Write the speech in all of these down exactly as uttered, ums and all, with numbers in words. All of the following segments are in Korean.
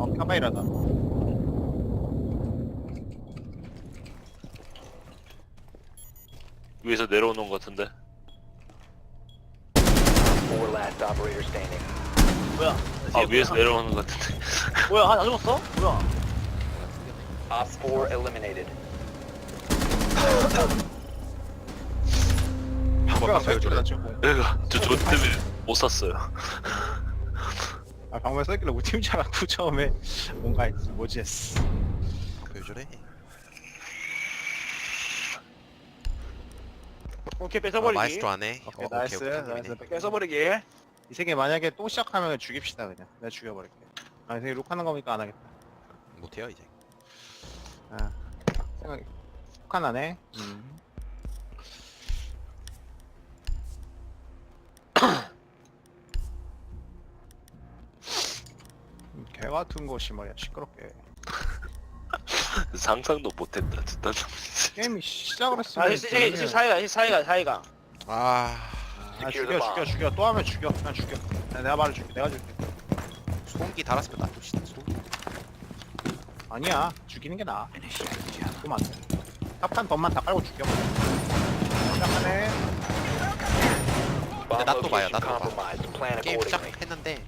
어, 카바이라다. 위에서 내려오는 것 같은데. Four last operator standing. 뭐야? 아 위에서 내려오는 것 같은데. 뭐야? 하나 죽었어? 뭐야? Op four eliminated. 방금 썰길래 나 지금. 내가 저저 때문에 못 샀어요. 아 방금 썰길래 우리 팀 줄 알았고 처음에 뭔가 했지. 뭐지 했어. 왜 저래? 오케이 아, 뺏어버리기. 마이스트로 안해. 오케이, 나이스, 나이스. 성공이네. 뺏어버리기. 이 세계 만약에 또 시작하면 죽입시다 그냥. 내가 죽여버릴게. 아, 이 세계 룩하는 거니까 안 하겠다. 못해요 이제. 아, 생각. 룩한 안 해. 음. 음, 개 같은 것이 말이야 시끄럽게. 상상도 못했다 진짜. 게임이 시작을 했으면. 아, 시, 시, 시, 사이가, 시, 사이가, 사이가. 아 아, 죽여, 죽여, 죽여. 또 하면 죽여. 그냥 죽여. 야, 내가 말을 줄게. 내가 줄게. 소음기 달았으면 놔둡시다. 소음기. 아니야. 죽이는 게 나아. 그럼 안 돼. 탑한 덤만 다 깔고 죽여. 시작하네. Bomb 놔둬 봐요, location 놔둬 봐. compromised. Plan 게임 accordingly. 시작했는데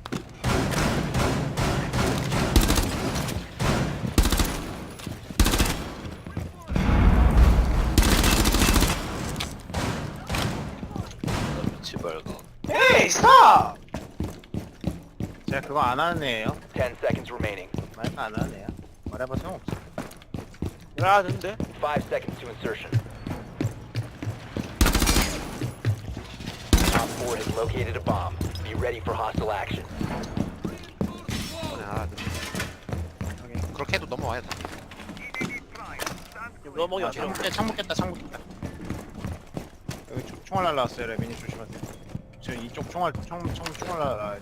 미치 말고. 에이, 스탑! 제가 그거 안 하는 애예요. Ten seconds remaining. 말도 안 하는 애야. 말해봐 소용없어. 야, 되는데? Five seconds to insertion. Op four has located a bomb. Be ready for hostile action. 아, 그렇게 해도 넘어와야 돼. 너 먹이 아, 어떻게 창문 깨, 창문 깼다, 창문 깼다. 여기 총- 총알 날라왔어요, 레미니 조심하세요. 지금 이쪽 총알, 총, 총, 총알 날라와요.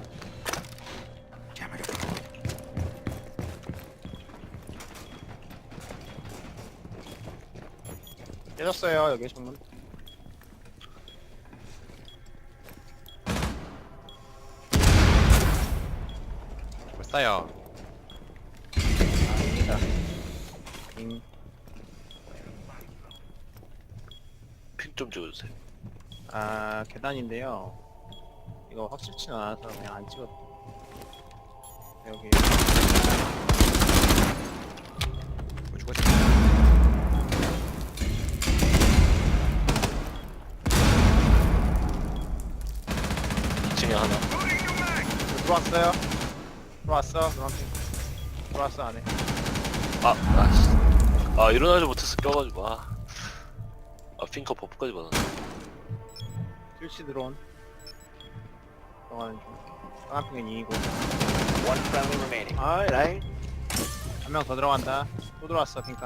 깨졌어요, 여기 창문. 벌써요. 아닙니다. 잉. 핀 좀 찍어주세요. 아, 계단인데요. 이거 확실치는 않아서 그냥 안 찍었다. 여기. 뭐 죽었어? 이 층에 하나. 들어왔어요. 들어왔어. 노란핑. 들어왔어 안에. 아, 아, 씨. 아 일어나지 못해서 껴가지고. 아, 아 핑커 버프까지 받았네. 스위치 드론. 들어가는 중. 노란핑은 이이고. One friendly remaining. 아, 라인. 한 명 더 들어간다. 또 들어왔어 핑카.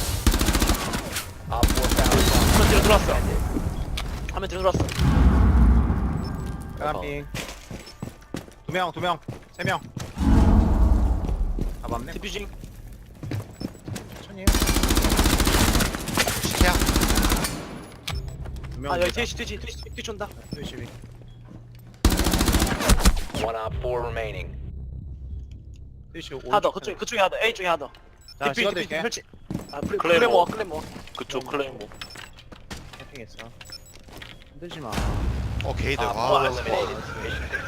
Op four found a bomb. 한명 뒤로 들어왔어. 한명 뒤로 들어왔어. 노란핑. 두 명, 두 명, 세 명. 잡았네. 디퓨징. 천천히 해. 시키야. 두 명. 아, 여기 뒤에, 뒤에, 뒤에, 뒤에, 뒤에 쏜다. 스위치 위. One op four remaining. 스위치 오. 하나 더, 그쪽에, 그쪽에 하나 더. A 쪽에 하나 더. 자, 디퓨, 디퓨, 찍어드릴게. 펼치. 아, 플레- 클레이모. 클레모어, 클레모어. 그쪽 클레이모. 캠핑했어. 흔들지 마. 어 게이드. Op 와. four eliminated. Mission